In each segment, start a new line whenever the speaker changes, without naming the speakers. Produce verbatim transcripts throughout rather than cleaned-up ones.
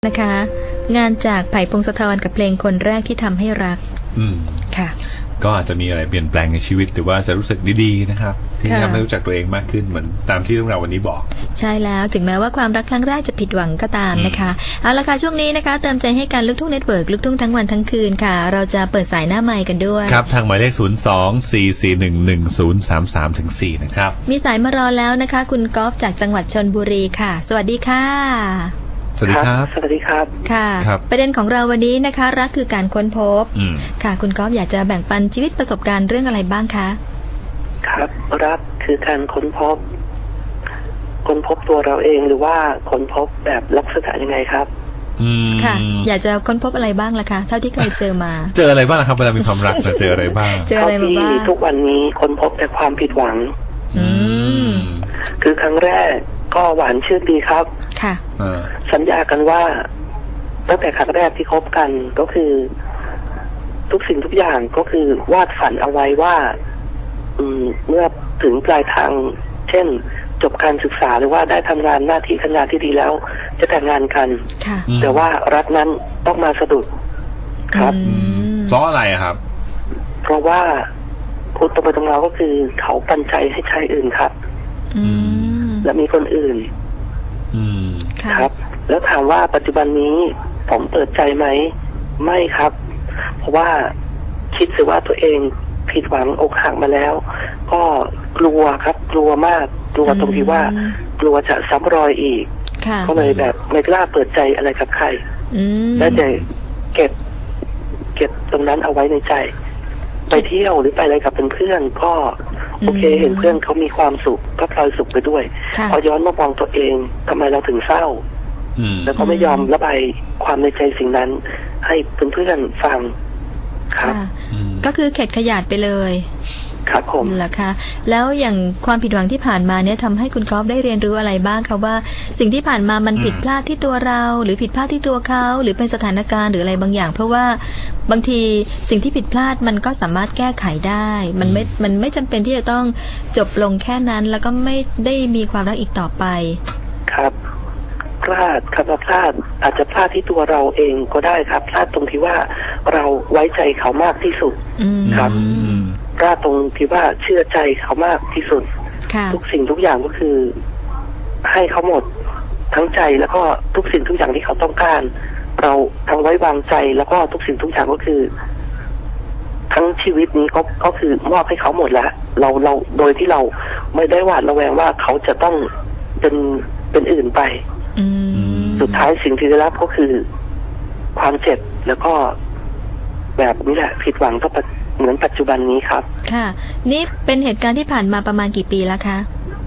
นะคะ งานจากไผ่พงศธรกับเพลงคนแรกที่ทำให้รัก
อืม
ค่ะ
ก็อาจจะมีอะไรเปลี่ยนแปลงในชีวิตหรือว่าจะรู้สึกดีๆนะครับที่ทำให้รู้จักตัวเองมากขึ้นเหมือนตามที่เรื่องราววันนี้บอก
ใช่แล้วถึงแม้ว่าความรักครั้งแรกจะผิดหวังก็ตามนะคะเอาละค่ะช่วงนี้นะคะเติมใจให้การลูกทุ่งเน็ตเวิร์กลูกทุ่งทั้งวันทั้งคืนค่ะเราจะเปิดสายหน้าไมค์กันด้วย
ครับทางหมายเลขศูนย์ สอง สี่ สี่ หนึ่ง หนึ่ง ศูนย์ สาม สาม ถึง สี่นะครับ
มีสายมารอแล้วนะคะคุณกอล์ฟจากจังหวัดชลบุรีค่ะสวัสดีค่ะ
สวัสดีครับ
สวัสดีครับ
ค่ะประเด็นของเราวันนี้นะคะรักคือการค้นพบค่ะคุณก๊อฟอยากจะแบ่งปันชีวิตประสบการณ์เรื่องอะไรบ้างคะ
ครับรักคือการค้นพบค้นพบตัวเราเองหรือว่าค้นพบแบบลักษณะยังไงครับ
ค่ะอยากจะค้นพบอะไรบ้างล่ะคะเท่าที่เคยเจอมา
เจออะไรบ้างครับเวลามีความรักเจออะไรบ้าง
เจออะไรมาบ้าง
ทุกวันนี้ค้นพบแต่ความผิดหวังอืมคือครั้งแรกก็หวานชื่นดีครับ
ค่ะ
สัญญากันว่าตั้งแต่ครั้งแรกที่คบกันก็คือทุกสิ่งทุกอย่างก็คือวาดฝันเอาไว้ว่าอืมเมื่อถึงปลายทางเช่นจบการศึกษาหรือว่าได้ทำงานหน้าที่การงานที่ดีแล้วจะแต่งงานกันแต่ว่ารักนั้นต้องมาสะดุดครับ
เพราะอะไรครับ
เพราะว่าพูดตรงไปตรงมาก็คือเขาปันใจให้ชายอื่นครับและมีคนอื่นครับแล้วถามว่าปัจจุบันนี้ผมเปิดใจไหมไม่ครับเพราะว่าคิดสิว่าตัวเองผิดหวังอกหักมาแล้วก็กลัวครับกลัวมากกลัวตรงที่ว่ากลัวจะซ้ำรอยอีกก็เลยแบบไม่กล้าเปิดใจอะไรกับใครและจะเก็บเก็บตรงนั้นเอาไว้ในใจไปเที่ยวหรือไปอะไรกับเพื่อนๆก็โอเคเห็นเพื่อนเขามีความสุขก็พลอยสุขไปด้วยพอย้อนมามองตัวเองทำไมเราถึงเศร้าแล้วก็ไม่ยอมระบายความในใจสิ่งนั้นให้เพื่อนๆฟังครับ
ก็คือเข็ดขยาดไปเลย
ครับผม
เหรอคะแล้วอย่างความผิดหวังที่ผ่านมาเนี่ยทำให้คุณก๊อฟได้เรียนรู้อะไรบ้างคะว่าสิ่งที่ผ่านมามันผิดพลาดที่ตัวเราหรือผิดพลาดที่ตัวเขาหรือเป็นสถานการณ์หรืออะไรบางอย่างเพราะว่าบางทีสิ่งที่ผิดพลาดมันก็สามารถแก้ไขได้มันไม่มันไม่จำเป็นที่จะต้องจบลงแค่นั้นแล้วก็ไม่ได้มีความรักอีกต่อไป
ครับพลาดคำว่าพลาดอาจจะพลาดที่ตัวเราเองก็ได้ครับพลาดตรงที่ว่าเราไว้ใจเขามากที่สุดครับพลาดตรงที่ว่าเชื่อใจเขามากที่สุดทุกสิ่งทุกอย่างก็คือให้เขาหมดทั้งใจแล้วก็ทุกสิ่งทุกอย่างที่เขาต้องการเราทั้งไว้วางใจแล้วก็ทุกสิ่งทุกอย่างก็คือทั้งชีวิตนี้ก็ก็คือมอบให้เขาหมดแล้วเราเราโดยที่เราไม่ได้หวาดระแวงว่าเขาจะต้องเป็นเป็นอื่นไปสุดท้ายสิ่งที่ได้รับก็คือความเจ็บแล้วก็แบบนี้แหละผิดหวังก็เหมือนปัจจุบันนี้ครับ
ค่ะนี่เป็นเหตุการณ์ที่ผ่านมาประมาณกี่ปีแล้วคะ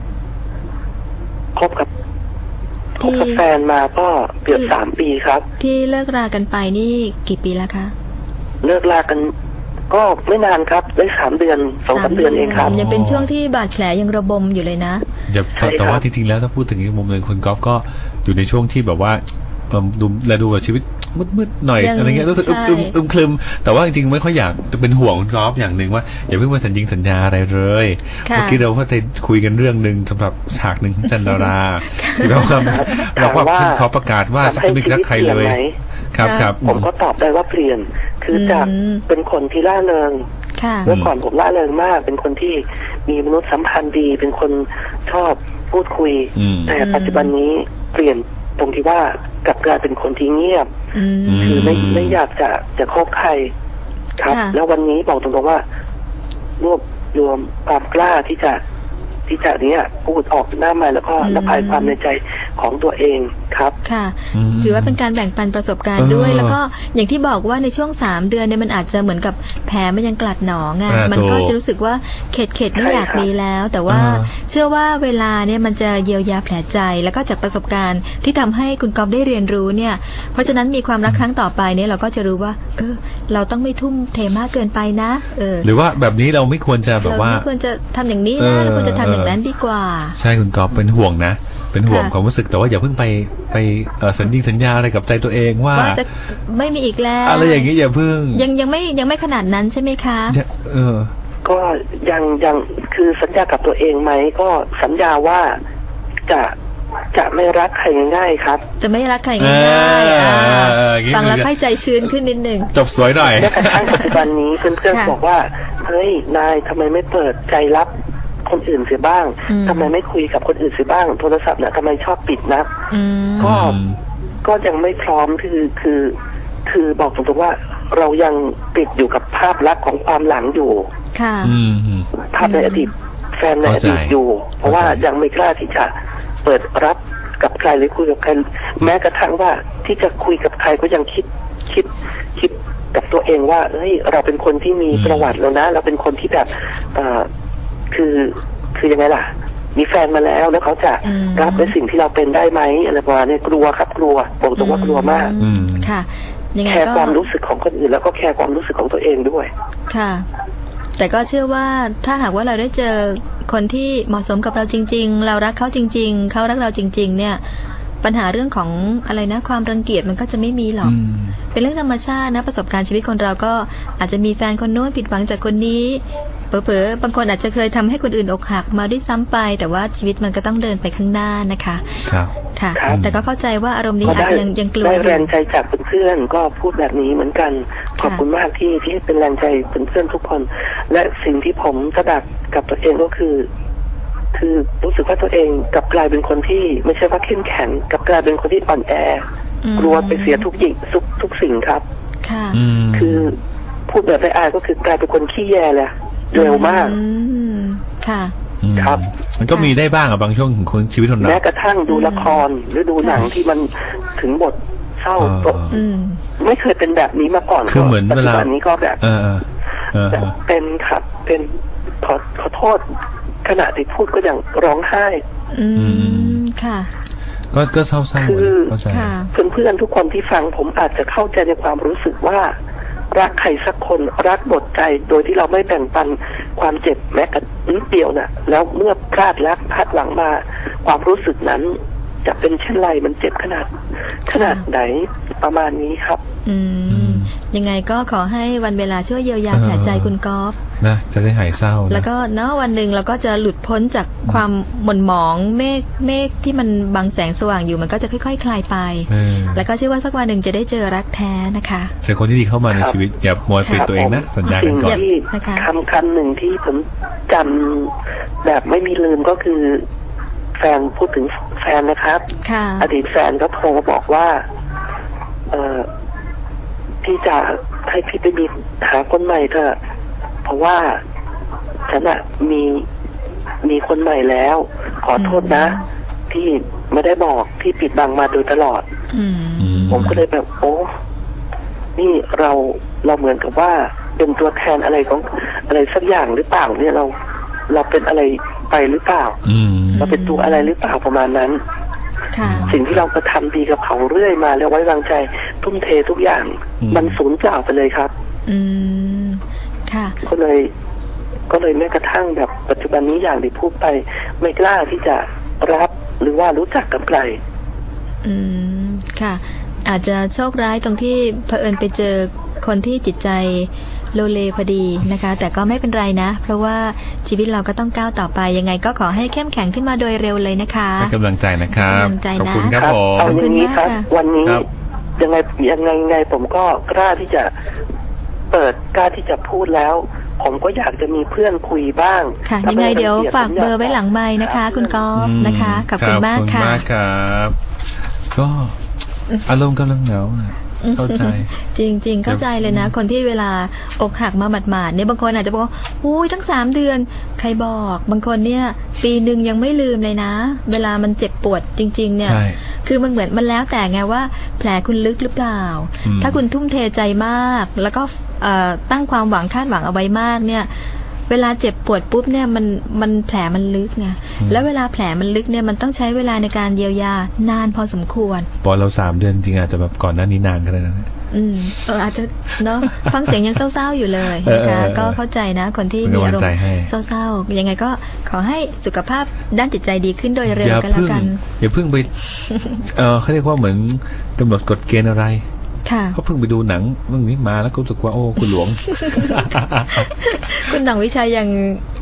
คบกับคบกับแฟนมาก็เกือบสามปีครับ
ที่เลิกรากันไปนี่กี่ปีแล้วคะ
เลิกรากันก็ไม่นานครับได้สามเดือนสองสามเดือนเองครับ
ยังเป็นช่วงที่บาดแผลยังระบมอยู่เลยนะ
แต่ว่าจริงๆแล้วถ้าพูดถึงอีกมุมหนึ่งคุณก๊อฟก็อยู่ในช่วงที่แบบว่าดูแลดูแบบชีวิตมืดๆหน่อยอะไรเงี้ยรู้สึกอึมอึมคลึมแต่ว่าจริงๆไม่ค่อยอยากจะเป็นห่วงคุณก๊อฟอย่างหนึ่งว่าอย่าเพิ่งมาสัญญิงสัญญาอะไรเลยเมื่อกี้เราก็ได้คุยกันเรื่องหนึ่งสำหรับฉากหนึ่งของจันดาราเราก็เราก็ขอประกาศว่าจะไม่รักใครเลยครับครับ
ผมก็ตอบได้ว่าเปลี่ยนคือจากเป็นคนที่ล่าเริงเมื่อก่อนผมล่าเริงมากเป็นคนที่มีมนุษยสัมพันธ์ดีเป็นคนชอบพูดคุยแต่ปัจจุบันนี้เปลี่ยนตรงที่ว่ากลับกลายเป็นคนที่เงียบคือไม่ไม่อยากจะจะคบใครครับแล้ววันนี้บอกตรงๆว่ารวบรวมความกล้าที่จะที่จะเนี้ยพูดออกหน้าไมค์แล้วก็ระบายความในใจของตัวเองครับ
ค่ะถือว่าเป็นการแบ่งปันประสบการณ์ด้วยแล้วก็อย่างที่บอกว่าในช่วงสามเดือนเนี่ยมันอาจจะเหมือนกับแผลมันยังกลัดหนองไงมันก็จะรู้สึกว่าเข็ดเข็ดไม่อยากมีแล้วแต่ว่าเชื่อว่าเวลาเนี่ยมันจะเยียวยาแผลใจแล้วก็จากประสบการณ์ที่ทำให้คุณก๊อฟได้เรียนรู้เนี่ยเพราะฉะนั้นมีความรักครั้งต่อไปเนี่ยเราก็จะรู้ว่าเออเราต้องไม่ทุ่มเทมากเกินไปนะเออ
หรือว่าแบบนี้เราไม่ควรจะแบบว่า
เราไม่ควรจะทำอย่างนี้นะเราควรจะทำอย่างนั้นดีกว่า
ใช่คุณก๊อฟเป็นห่วงนะเป็นห่วงความรู้สึกแต่ว่าอย่าเพิ่งไปไปสัญญิงสัญญาอะไรกับใจตัวเองว่า
จะไม่มีอีกแล้ว
อะไรอย่างนี้อย่าเพิ่ง
ยังยังไม่ยังไม่ขนาดนั้นใช่ไหมคะ
เออ
ก็ยังยังคือสัญญากับตัวเองไหมก็สัญญาว่าจะจะไม่รักใครง่ายๆครับ
จะไม่รักใครง่ายๆ
อย่างงี้
ฟังแล้วค่อยใจชื้นขึ้นนิดหนึ่ง
จบสวยหน่อย
แม้กระทั่งปัจจุบันนี้เพื่อนๆบอกว่าเฮ้ยนายทำไมไม่เปิดใจรับคนอื่นเสียบ้างทำไมไม่คุยกับคนอื่นเสียบ้างโทรศัพท์เนี่ยทำไมชอบปิดนะก็ก็ยังไม่พร้อมคือคือคือบอกตรงๆว่าเรายังติดอยู่กับภาพลักษณ์ของความหลังอยู่
ค่ะ
ภาพในอดีตแฟนในอดีตอยู่เพราะว่ายังไม่กล้าที่จะเปิดรับกับใครหรือคุยกับใครแม้กระทั่งว่าที่จะคุยกับใครก็ยังคิดคิดคิดกับตัวเองว่าเฮ้ยเราเป็นคนที่มีประวัติแล้วนะเราเป็นคนที่แบบเอ่อคือคือยังไงล่ะมีแฟนมาแล้วแล้วเขาจะรับในสิ่งที่เราเป็นได้ไหมอะไรประมาณนี้กลัวครับกลัวบอกตรงว่ากลัวมาก
ค่ะยังไงก็
แคร์ความรู้สึกของคนอื่นแล้วก็แคร์ความรู้สึกของตัวเองด้วย
ค่ะแต่ก็เชื่อว่าถ้าหากว่าเราได้เจอคนที่เหมาะสมกับเราจริงๆเรารักเขาจริงๆเขารักเราจริงๆเนี่ยปัญหาเรื่องของอะไรนะความรังเกียจมันก็จะไม่มีหรอกเป็นเรื่องธรรมชาตินะประสบการณ์ชีวิตคนเราก็อาจจะมีแฟนคนโน้นผิดหวังจากคนนี้เผลอๆบางคนอาจจะเคยทำให้คนอื่นอกหักมาด้วยซ้ำไปแต่ว่าชีวิตมันก็ต้องเดินไปข้างหน้านะคะ
ครับ
ค่ะแต่ก็เข้าใจว่าอารมณ์นี้อาจจะยังยังกลัว
ได้แรงใจจากเพื่อนๆก็พูดแบบนี้เหมือนกันขอบคุณมากที่ที่เป็นแรงใจเพื่อนๆทุกคนและสิ่งที่ผมสดับกับตัวเองก็คือคือรู้สึกว่าตัวเองกลับกลายเป็นคนที่ไม่ใช่ว่าเข้มแข็งกลับกลายเป็นคนที่อ่อนแอกลัวไปเสียทุกอย่างทุกทุกสิ่งครับ
ค่ะ
คือพูดแบบไม่อายก็คือกลายเป็นคนขี้แย่เลยเร็วมาก
ค่ะ
ครับ
มันก็มีได้บ้างอะบางช่วงของคนชีวิตคนเรา
แม้กระทั่งดูละครหรือดูหนังที่มันถึงบทเศร้าไม่เคยเป็นแบบนี้มาก่อน
คือเหมือนเวลา
นี้ก็แบบเป็นครับเป็นขอขอโทษขณะที่พูดก็ยังร้องไห้
อืมค่ะ
ก็ก็เศร้าๆ
คือเพื่อนๆทุกคนที่ฟังผมอาจจะเข้าใจในความรู้สึกว่ารักใครสักคนรักหมดใจโดยที่เราไม่แบ่งปันความเจ็บแม้แต่นิดเดียวน่ะแล้วเมื่อพลาดรักพลาดหวังมาความรู้สึกนั้นจะเป็นเช่นไรมันเจ็บขนาดขนาดไหนประมาณนี้ครับ
อืมยังไงก็ขอให้วันเวลาช่วยเยียวยาแผลใจคุณก๊อฟ
นะจะได้หายเศร้า
แล้วก็เนาะวันหนึ่งเราก็จะหลุดพ้นจากความหม่นหมองเมฆเมฆที่มันบังแสงสว่างอยู่มันก็จะค่อยๆ ค, คลายไปแล้วก็เชื่อว่าสักวันหนึ่งจะได้เจอรักแท้นะคะ
เจอคนที่ดีเข้ามาในชีวิตอย่ามัวปิดตัวเองนะสัญญากันก่อน
คำคำหนึ่งที่ผมจำแบบไม่มีลืมก็คือแฟนพูดถึงแฟนนะครับอดีตแฟนก็โทรมาบอกว่าเออพี่จะให้พี่ไปมีหาคนใหม่เถอะเพราะว่าฉันอะมีมีคนใหม่แล้วขอโทษนะที่ไม่ได้บอกที่ปิดบังมาโดยตลอดผมก็เลยแบบโอ้นี่เราเราเหมือนกับว่าเป็นตัวแทนอะไรของอะไรสักอย่างหรือเปล่าเนี่ยเราเราเป็นอะไรไปหรือเปล่าเราเป็นตัวอะไรหรือเปล่าประมาณนั้นสิ่งที่เรากระทำดีกับเขาเรื่อยมาแล้วไว้วางใจทุ่มเททุกอย่างมันสูญเปล่าไปเลยครับ
อืมค่ะ
ก็เลยก็เลยแม้กระทั่งแบบปัจจุบันนี้อย่างที่พูดไปไม่กล้าที่จะรับหรือว่ารู้จักกับใคร
อืมค่ะอาจจะโชคร้ายตรงที่เผอิญไปเจอคนที่จิตใจโลเลพอดีนะคะแต่ก็ไม่เป็นไรนะเพราะว่าชีวิตเราก็ต้องก้าวต่อไปยังไงก็ขอให้เข้มแข็งขึ้นมาโดยเร็วเลยนะคะ
ให้กำลังใจนะครับขอบคุณครับผม
ขอบคุณมากค่ะวันนี้ยังไงยังไงไงผมก็กล้าที่จะเปิดกล้าที่จะพูดแล้วผมก็อยากจะมีเพื่อนคุยบ้าง
ค่ะยังไงเดี๋ยวฝากเบอร์ไว้หลังไมค์นะคะคุณก๊อฟนะคะขอบคุณมากค่ะ
ขอบคุณมากครับก็อารมณ์กำลังเหงาเข้าใจ
จริงๆเข้าใจเลยนะคนที่เวลาอกหักมาหมาดๆเนี่ยบางคนอาจจะบอกว่าอุ้ยทั้งสามเดือนใครบอกบางคนเนี่ยปีหนึ่งยังไม่ลืมเลยนะเวลามันเจ็บปวดจริงๆเนี่ยคือมันเหมือนมันแล้วแต่ไงว่าแผลคุณลึกหรือเปล่าถ้าคุณทุ่มเทใจมากแล้วก็ตั้งความหวังคาดหวังเอาไว้มากเนี่ยเวลาเจ็บปวดปุ๊บเนี่ยมันมันแผลมันลึกไงแล้วเวลาแผลมันลึกเนี่ยมันต้องใช้เวลาในการเยียวยานานพอสมควร
พอเราสามเดือนจริงอาจจะแบบก่อนหน้านี้นานก็ได้นะ
อืมเอออาจจะเนาะฟังเสียงยังเศร้าๆอยู่เลยนะคะก็เข้าใจนะคนที่มีอารมณ์เศร้าๆยังไงก็ขอให้สุขภาพด้านจิตใจดีขึ้นโดยเร็วกันแล้วกัน
อย่าเพิ่งไปเออเขาเรียกว่าเหมือนกำหนดกฎเกณฑ์อะไรเขาเพิ่งไปดูหนังเรื่องนี้มาแล้วก็รู้สึกว่าโอ้คุณหลวง
คุณหนังวิชัยยัง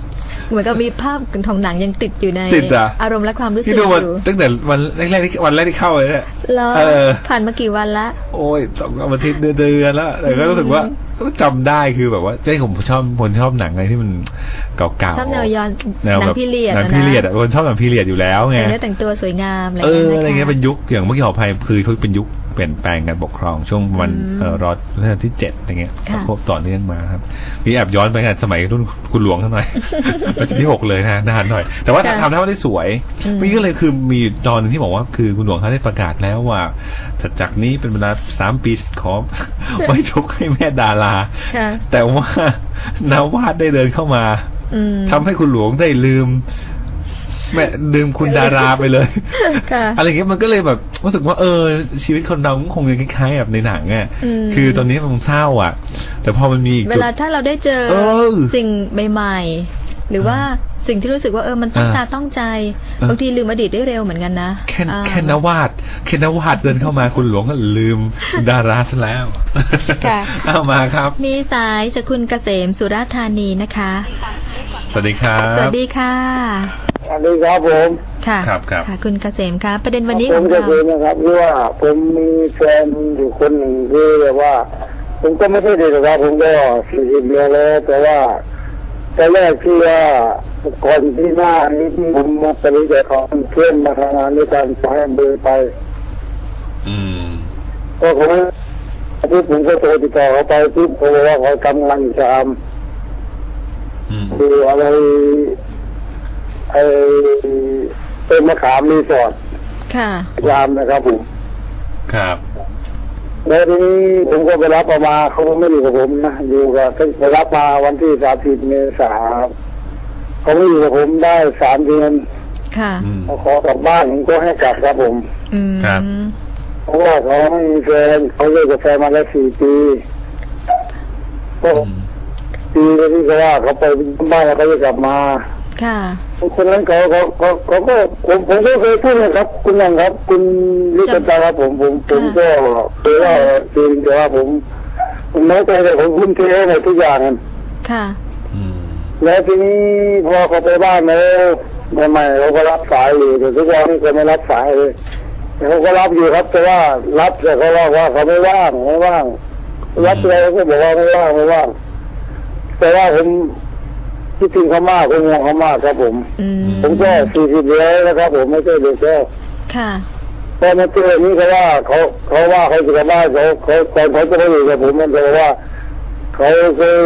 เหมือนกับมีภาพของหนังยังติดอยู่ใน
ติดอะ
อารมณ์และความรู้สึก
ที่
อ
ดูมา
ยู่
ตั้งแต่วันแรกๆที่วันแรกที่เข้าเลยเนี่ย
แล้ว
เออ
ผ่านมากี่วันละ
โอ้ยสองอาทิตย์เดือนแล้วแต่ก็รู้สึกว่าจำได้คือแบบว่าเจ้ผมชอบคนชอบหนังอะไรที่มันเก่าๆ
ชอบแนวย้อน
แนว
หนั
แบ
ง
บ
พีเรียด
หนัง
อะนะ
พีเรียดอ่ะคนชอบหนังพีเรียดอยู่แล้วไง
แต่งเนื้อแต่งตัวสวยงามอะไร
เอ
อย่าง
อ
เงี้ย
อะไร
นะคะ
เงี้ยเป็นยุคอย่างเมื่อกี้ขออภัยคือเขาเป็นยุคเปลี่ยนแปลงการปกครองช่วงวันเอ่อรอดรัชกาลที่เจ็ดอะไรเงี้ย
ค่ะ
ครบต่อเนื่องมาครับนี่แอบย้อนไปกันสมัยรุ่นคุณหลวงท่านหน่อย รัชกาลที่หกเลยนะนานหน่อย แต่ว่าทำได้ว่าได้สวยมีก็เลยคือมีตอนนึงที่บอกว่าคือคุณหลวงเขาได้ประกาศแล้วว่าจากนี้เป็นเวลาสามปีขอ ไว้ทุกข์ให้แม่ดารา
ค่ะ
แต่ว่านาวาดได้เดินเข้ามา
อืม
ทำให้คุณหลวงได้ลืมแม่ลืมคุณดาราไปเลย
ค่ะ
อะไรเงี้ยมันก็เลยแบบรู้สึกว่าเออชีวิตคนเราคงจะคล้ายๆแบบในหนังอ่ะ
อืม
คือตอนนี้มันเศร้าอ่ะ แต่พอมันมีอีก
เว
จุด
ลาถ้าเราได้เจอ
เออ
สิ่งใหม่ๆหรือว่าสิ่งที่รู้สึกว่าเออมันตั้ง
อ่า
ตาต้องใจ
อ่า
บางทีลืมอดีตได้เร็วเหมือนกันนะ
แค่
อ่า
แค่นวาดแค่นวาดเดินเข้ามาคุณหลวงก็ลืมดาราซะแล้ว
ค่ะ
เอามาครับ
มีสายจากคุณเกษมสุราษฎร์ธานีนะคะ
สวัสดีครับ
สวัสดีค่ะ
สวัสดีครับผม
ค่ะ
ครับครับ
ค่ะ คุณเกษมคะประเด็นวันนี้
ผ
ขอ
ม
ง
จะ
เรา
คุยนะครับที่ว่าผมมีแฟนอยู่คนหนึ่งคือแบบว่า ผมก็ไม่ใช่เด็กนะครับผมก็สี่สิบเดือนแล้วแต่ว่าแต่แรกที่ว่าก่อนที่หน้านี้ที่ผมมาปฏิเสธของเพื่อนมาทำงานด้วยกันไปเบอร์ไป
อืม
ก็ผมที่ผมก็โทรติดต่อเขาไปปุ๊บเขาบอกว่าเขาทำงานจาม
อืม
คืออะไรไอเป็นมะขามรีสอร์ท
ค่ะ
ยามนะครับผม
ครับ
แล้วทีนี้ผมก็ไปรับเอามาเขาก็ไม่อยู่กับผมนะอยู่กับไปรับมาวันที่สามสิบเมษาเขาไม่อยู่กับผมได้สามเดือน
ค่ะ
อืม
เขาขอกลับบ้านผมก็ให้กลับครับผม
อืม
ครับ
เพราะว่าเขาไม่มีแฟนเขาเลิกกับแฟนมาแล้วสี่ปีก็
อืม
ปีที่เขาว่าเขาไปบ้านแล้วเขาจะกลับมา
ค่ะ
คนนั้นเขาเขาเขาเขาก็ผมผมก็เคยพูดนะครับ คุณยังครับ คุณลิขิตาครับผมผมผมก็เคยว่าจริงแต่ว่าผมผมน้อยใจแต่ผมคุ้มเทในทุกอย่าง
ค่ะ
อืม
แล้วทีนี้พอเขาไปบ้านแล้วใหม่ๆเขาก็รับสายอยู่แต่ทุกวันนี้เขาไม่รับสายเลยแต่เขาก็รับอยู่ครับแต่ว่ารับแต่เขาบอกว่าเขาไม่ว่างไม่ว่างรับอะไรก็บอกว่าไม่ว่างไม่ว่างแต่ว่าผมคิดถึงเขามากผมห่วงเขามากครับผม
อืม
ผมก็สี่สิบแล้วนะครับผมไม่ใช่เด็กแล้ว
ค่ะ
พอมาเจอนี้เขาว่าเขาเขาว่าเขาจะกลับบ้านเขาเขาตอนเขาจะไม่อยู่กับผมมันจะบอกว่าเขาเคย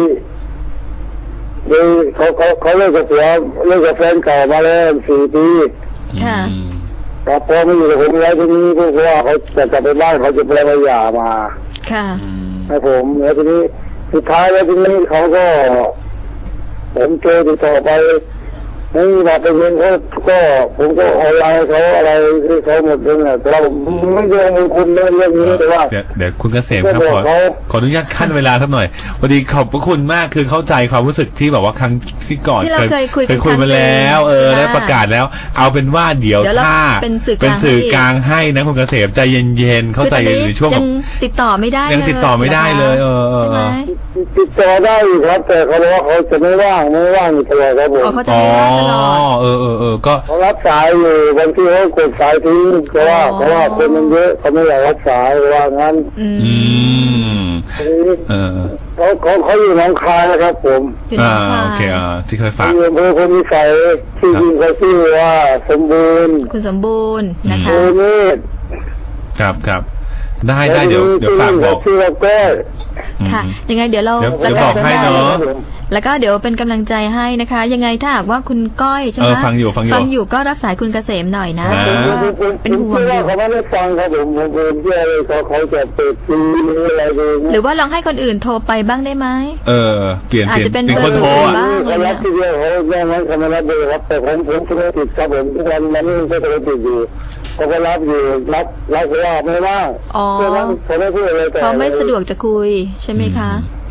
เคยเขาเขาเขาเลิกกับผัวเลิกกับแฟนเก่ามาแล้วสี่ปี
ค่ะ
อืม
แต่พอมาอยู่กับผมแล้วทีนี้พวกเขาว่าเขาจะกลับไปบ้านเขาจะไปมาหย่ามา
ค่ะ
อืม
ให้ผมแล้วทีนี้สุดท้ายแล้วทีนี้เขาก็ผมเจอติดต่อไปไม่มีมาเป็นเงินเขาก็ผมก็ออนไลน์เขาอะไรที่เขาหมดเลยนะแต่เราไม่ยอมคุณเรื่องเรื่องนี้แต่ว่า
เดี๋ยวเดี๋ยวคุณเกษมครับ
ก็
ข
บ
อ
อกเขา
ขออนุญาตขั้นเวลาสักหน่อยพอดีขอบพระคุณมากคือเข้าใจความรู้สึกที่แบบว่าครั้งที่ก่อน
ที่เราเคยคุยกัน
เคยคุยมาแล้ว เออ
ใช่ไหม
ได้ประกาศแล้ว เอาเป็นว่าเดี๋ยว
เดี๋ยวเรา
ถ้า
เป็นสื่อกลาง
เป็นสื่อ
ให้
กลางให้นะคุณเกษมใจเย็นๆเข้าใจอยู่ในช่วง
ยั
แบบ
งติดต่อไม่ได้
ยังติดต่อไม่ได้เลยเออเออ
ใช่ไหม
ติดต่อได้อยู่ครับแต่เขาบอกว่าเขาจะไม่ว่างไม่ว่างอยู่ตลอดครับผม
อ๋อเขาจะ
อ๋อ
ไม่ว่างตลอด
เออเออเออก็
เขารับสายอยู่บางทีเขากดสายทิ้งเพราะว่า
อ๋อ
เพราะว่าคนมันเยอะเขาไม่อยากรับสายว่างั้น
อืม
อืม
ทีนี้
เออ
เขาเขาเขาอยู่หนองคายนะครับผม
อยู่ใน
อ่า
ค
โอเคอ่าที่เคย
เขา
ฝาก
อยู่อำเภอพลวิสัยที่จริงเขาชื่อว่าสมบูรณ์
คุณสมบูรณ์นะคะ
โอเนต
ครับครับได้ได้เดี๋ยวเดี๋ยวฝากบอก
ชื่อว่าก้อย
ค่ะ ยังไงเดี๋ยวเรา
เดี๋ยว
ประ
เดี๋ยว
กา
บ
ศ
อกให้เนอะ
แล้วก็เดี๋ยวเป็นกำลังใจให้นะคะ ยังไงถ้าหากว่าคุณก้อยใช่ไหม
เออฟังอยู่ฟังอยู่
ฟังอยู่ก็รับสายคุณเกษมหน่อยนะ
อ่า
เพราะว่าเป็นห่วงอยู่
เขาไม่ได้ฟังครับผมผมเป็นเพื่ออะไรเขาเขาจะเปิดซีอะไรดู
หรือว่าลองให้คนอื่นโทรไปบ้างได้ไหม
เออเปลี่ยน
อาจ
เปลี่ยน
จะเป็น
เป็นคน
เบอร์
โทรอ่ะ
บ้าง
เขารับที่เดียวเขาแย่งนั้นเขาไม่รับเบอร์ครับแต่ผมผมโทรติดครับผมทุกวันมันนี่ก็โทรติดอยู่เขาก็รับอยู่รับรับว่าไม่ว่าง
อ๋อ
เพราะนั้นเขาไม่พูดอะไรแต่
เขาไม่สะดวกจะคุยใช่ไหมคะ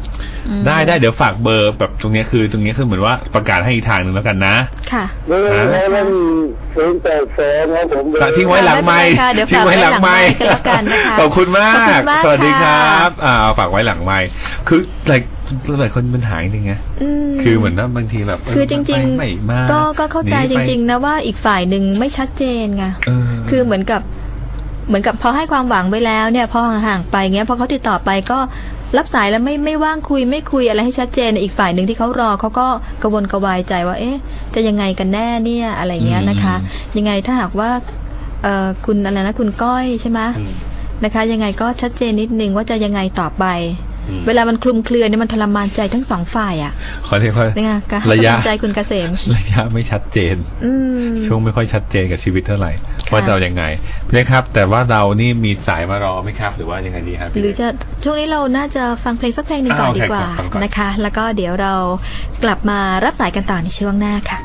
ได้ได้เดี๋ยวฝากเบอร์แบบตรงนี้คือตรงนี้คือเหมือนว่าประกาศให้อีกทางหนึ่งแล้วกันนะ
ค่ะ
แล้วศูนย์แปดสองครับผม
ทิ้งไว้หลังไมค์ทิ้งไว้หลังไมค์
กันแล้วกันนะคะ
ขอบคุณมากสวัสดีครับอ่าฝากไว้หลังไมค์คือหลายหลายคนมันหายจริงไงคือเหมือนว่าบางทีแบบ
คือจริงๆก็ก็เข้าใจจริงๆนะว่าอีกฝ่ายหนึ่งไม่ชัดเจนไงคือเหมือนกับเหมือนกับพอให้ความหวังไว้แล้วเนี่ยพอห่างๆไปเงี้ยพอเขาติดต่อไปก็รับสายแล้วไม่ไม่ว่างคุยไม่คุยอะไรให้ชัดเจนอีกฝ่ายหนึ่งที่เขารอเขาก็กระวนกระวายใจว่าเอ๊ะจะยังไงกันแน่เนี่ยอะไรเงี้ยนะคะยังไงถ้าหากว่าเอ่อคุณอะไรนะคุณก้อยใช่ไหมนะคะยังไงก็ชัดเจนนิดนึงว่าจะยังไงต่อไปเวลามันคลุมเครือเนี่ยมันทรมานใจทั้งสองฝ่ายอ่ะ
ขอเรียกว่า
ระยะใจคุณเกษม
ระยะไม่ชัดเจนช่วงไม่ค่อยชัดเจนกับชีวิตเท่าไหร่ว่าจะเอายังไงนะครับแต่ว่าเรานี่มีสายมารอไหมครับหรือว่ายังไงดีครับ
หรือจะช่วงนี้เราน่าจะฟังเพลงสักเพลงหนึ่งก่อนดีกว่านะคะแล้วก็เดี๋ยวเรากลับมารับสายกันต่อในช่วงหน้าค่ะ